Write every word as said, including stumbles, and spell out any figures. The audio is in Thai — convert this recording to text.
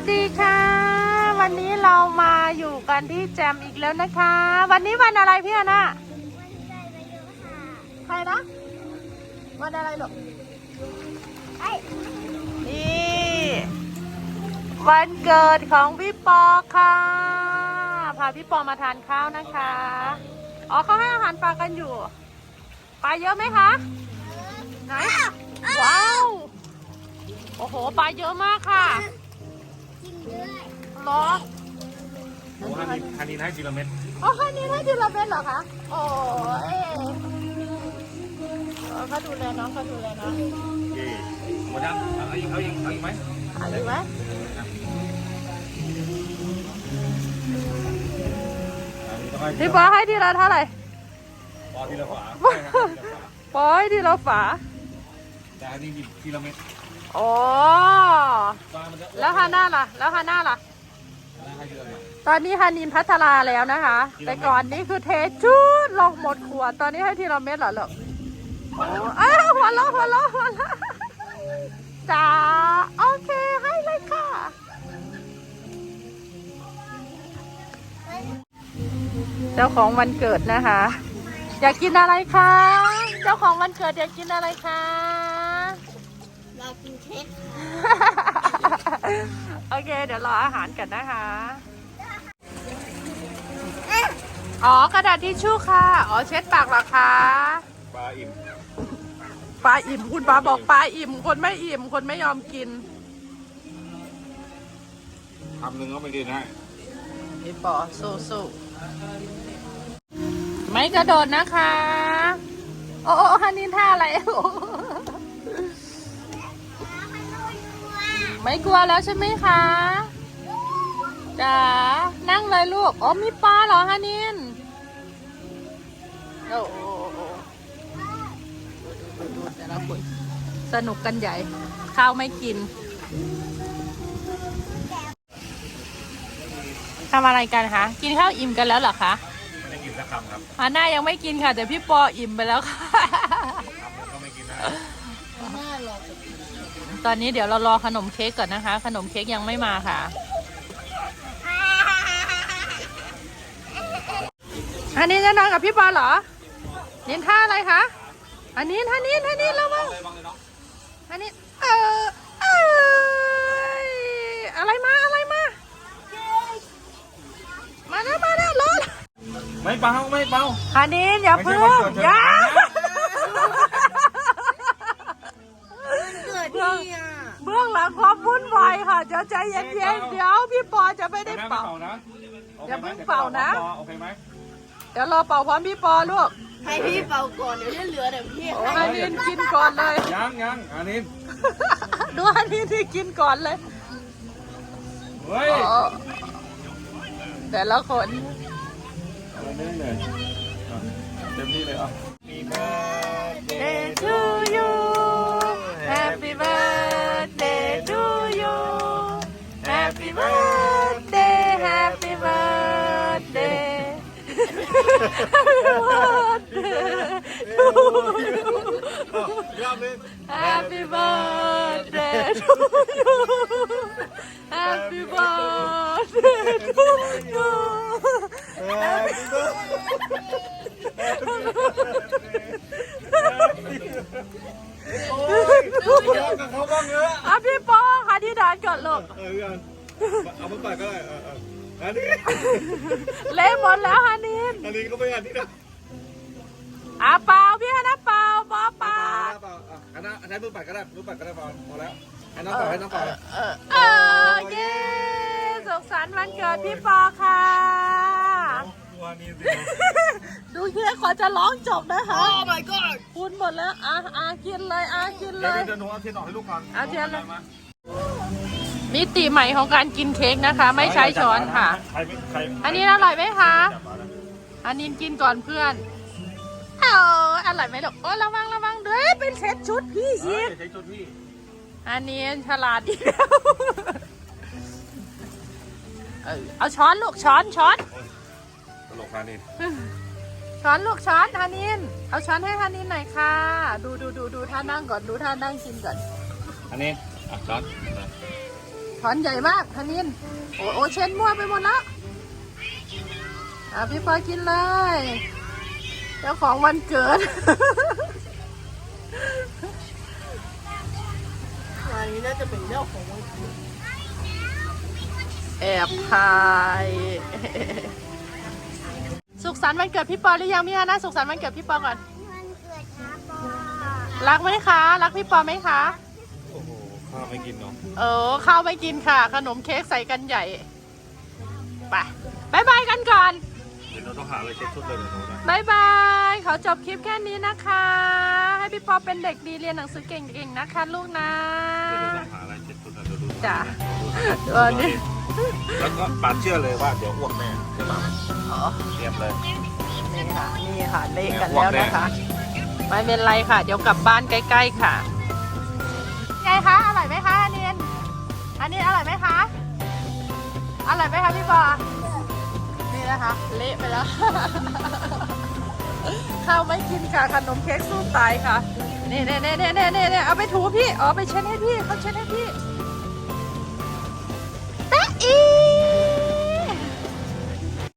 ดีค่ะวันนี้เรามาอยู่กันที่แจมอีกแล้วนะคะวันนี้วันอะไรพี่อาน่าวันใจไปเยอะค่ะใครนะวันอะไรหรอไอ้นี่วันเกิดของพี่ปอค่ะพาพี่ปอมาทานข้าวนะคะอ๋อเขาให้อาหารปลากันอยู่ปลาเยอะไหมคะไหนว้าวโอ้โหปลาเยอะมากค่ะกินด้วยรอโอ้ฮันนี่ฮันนี่ให้ทีละเม็ดอ๋อฮันนี่ให้ทีละเม็ดเหรอคะโอ้ยเขาดูแลน้องเขาดูแลน้องเย่หมดยังเอาอีกเอาอีกเอาอีกไหมเอาอีกไหมพี่ปอให้ทีละเท่าไหร่ปอทีละฝาปอให้ทีละฝาแต่อันนี้ทีละเม็ดโอ้แล้วฮาน่าล่ะแล้วฮาน่าล่ะตอนนี้ฮานินพัฒนาแล้วนะคะแต่ก่อนนี้คือเทชุดลงหมดขวดตอนนี้ให้ทีละเม็ดเหรอลูกอ้าวหัวเราะหัวเราะหัวเราะจ้าโอเคให้เลยค่ะเจ้าของวันเกิดนะคะอยากกินอะไรคะเจ้าของวันเกิดอยากกินอะไรคะอยากกินเค้กโอเคเดี๋ยวรออาหารกันนะคะอ๋อกระดาษทิชชู่ค่ะอ๋อเช็ดปากเหรอคะปลาอิ่มปลาอิ่มคุณปลาบอกปลาอิ่มคนไม่อิ่มคนไม่ยอมกินทำหนึ่งก็ไม่กินให้พี่ปอสู้สู้ไม่กระโดดนะคะโอ้ฮันนินท่าอะไรไม่กลัวแล้วใช่ไหมคะจ๋านั่งเลยลูกอ๋อมีปลาเหรอฮันนินโอ้โหดูแต่ละคนสนุกกันใหญ่ข้าวไม่กินทำอะไรกันคะกินข้าวอิ่มกันแล้วเหรอคะไม่ได้กินสักคำครับฮาน่ายังไม่กินค่ะแต่พี่ปออิ่มไปแล้วค่ะก็ไม่กินนะตอนนี้เดี๋ยวเรารอขนมเค้กก่อนนะคะขนมเค้กยังไม่มาค่ะอันนี้จะนอนกับพี่ปอเหรอนินท่าอะไรคะอันนี้ท่านี้ท่านี้แล้วมั้งอันนี้เออเอออะไรมาอะไรมามาแล้วมาแล้วรถไม่เบาไม่เบาอันนี้อย่าเพิ่งอย่าเบื้องหลังความวุ่นวายค่ะเดี๋ยวใจเย็นๆเดี๋ยวพี่ปอจะไม่ได้เป่านะอย่าเพิ่งเป่านะโอเคไหมเดี๋ยวรอเป่าพร้อมพี่ปอลูกให้พี่เป่าก่อนเดี๋ยวจะเหลือแต่พี่ให้นินกินก่อนเลยยังยังอันนี้ดูอันนี้ที่กินก่อนเลยเฮ้ยแต่ละคนเต็มเลยเต็มที่เลยอ่ะ Birthday to you Happy birthday to you Happy birthday Happy birthday Happy birthday to you Happy birthday to you Happy birthday อ่ะพี่ปอค่ะที่ด่านก่อนลูกเออเอามาปัดก็ได้อันนี้เละหมดแล้วฮันนินอันนี้ก็ไม่อันนี้นะอ่ะเปล่าพี่ฮันน่าเปล่าปอเปล่าอันนั้นใช้มือปัดก็ได้มือปัดก็ได้พอพอแล้วให้น้องเปล่าให้น้องเปล่าเออเย้สุขสันต์วันเกิดพี่ปอค่ะดูเค้กขอจะร้องจบนะคะ Oh my god คุณหมดแล้วอ่ะอ่ะกินเลยอ่ะกินเลยเดี๋ยวหนูเอาเทียนออกให้ลูกก่อนเอาเทียนเลยมิติใหม่ของการกินเค้กนะคะไม่ใช้ช้อนค่ะอันนี้อร่อยไหมคะอันนี้กินก่อนเพื่อนเอออร่อยไหมลูกโอ้ระวังระวังเด้อเป็นเซตชุดพี่อีกอันนี้ฉลาดอีกแล้วเอาช้อนลูกช้อนช้อนตลกฮานินช้อนลูกช้อนฮานินเอาช้อนให้ฮานินหน่อยค่ะดูดูดูดูท่านั่งก่อนดูท่านั่งกินก่อนอันนี้อ่ะช้อนช้อนใหญ่มากธนินโอ้โอเช็ดมั่วไปหมดแล้วอ่ะพี่ปอกินเลยเจ้าของวันเกิดอันนี้น่าจะเป็นเรื่องของวันเกิดแอบถ่าย สุขสันต์วันเกิดพี่ปอหรือยังพี่ฮาน่าสุขสันต์วันเกิดพี่ปอก่อนวันเกิดนะปอรักไหมคะ รักพี่ปอไหมคะโอ้โหข้าวไม่กินเนาะเออข้าวไม่กินค่ะ ขนมเค้กใส่กันใหญ่ไปบายบายกันก่อนเดี๋ยวเราต้องหาอะไรเช็ดชุดเลยเดี๋ยวเรานะบายบาย ขอจบคลิปแค่นี้นะคะ ให้พี่ปอเป็นเด็กดีเรียนหนังสือเก่งๆนะคะลูกนะเดี๋ยวเราต้องหาอะไรเช็ดชุดนะเดี๋ยวดูจ้ะดูเออนี่แล้วก็ปาดเชื่อเลยว่าเดี๋ยวอ้วกแน่ใช่ไหมอ๋อเตรียมเลยนี่ค่ะ นี่ค่ะเละกันแล้วนะคะ ไม่เป็นไรค่ะ เดี๋ยวกลับบ้านใกล้ๆค่ะ ไงคะ อร่อยไหมคะอันนี้อันนี้อร่อยไหมคะ อร่อยไหมคะพี่ปอ นี่นะคะ เละไปแล้ว ข้าวไม่กินค่ะ ขนมเค้กสู้ตายค่ะ นี่นี่นี่นี่นี่นี่เอาไปถูพี่ อ๋อไปเช็ดให้พี่เขาเช็ดให้พี่